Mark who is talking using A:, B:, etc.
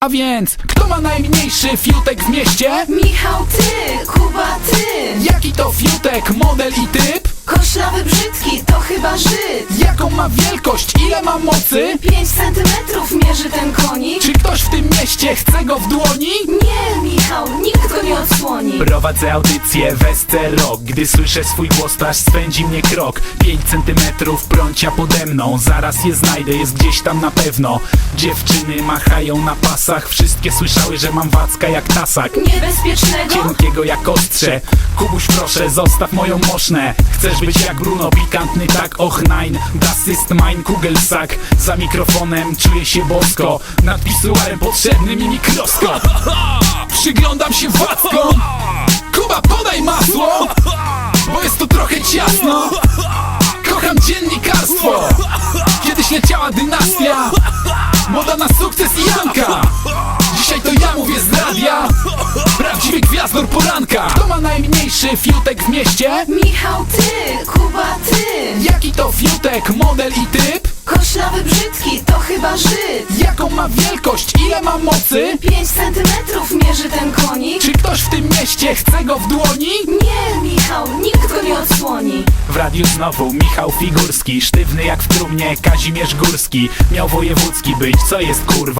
A: A więc, kto ma najmniejszy fiutek w mieście?
B: Michał, ty, Kuba, ty.
A: Jaki to fiutek, model i typ?
B: Koślawy, brzydki, to chyba Żyd.
A: Jaką ma wielkość, ile ma mocy?
B: 5 centymetrów mierzy ten konik.
A: Czy ktoś w tym mieście chce go w dłoni?
B: Nie, Michał, nikt go nie odsłoni.
A: Prowadzę audycję Wesce Rock. Gdy słyszę swój głos, to aż spędzi mnie krok. 5 centymetrów prącia pode mną. Zaraz je znajdę, jest gdzieś tam na pewno. Dziewczyny machają na pasach. Wszystkie słyszały, że mam wacka jak tasak.
B: Niebezpiecznego?
A: Cienkiego jak ostrze. Kubuś, proszę, zostaw moją mosznę. Chcesz być jak Bruno, pikantny tak, och nein. Das ist mein Kugelsack. Za mikrofonem czuję się bosko. Nad pisuarem potrzebny mi mikroskop. Przyglądam się wackom. Kuba, podaj masło, bo jest tu trochę ciasno. Kocham dziennikarstwo. Kiedyś leciała dynastia, moda na sukces i Janka. Dzisiaj to ja mówię z radia, prawdziwy gwiazdor poranka. Kto ma najmniejszy fiutek w mieście?
B: Michał, ty, Kuba, ty.
A: Jaki to fiutek, model i typ?
B: Koślawy, brzydki, to chyba Żyd.
A: Jaką ma wielkość, ile ma mocy?
B: 5 centymetrów mierzy ten konik.
A: Czy ktoś w tym mieście chce go w dłoni?
B: Nie, Michał, nikt go nie odsłoni.
A: W radiu znowu Michał Figurski, sztywny jak w trumnie Kazimierz Górski. Miał wojewódzki być, co jest kurwa?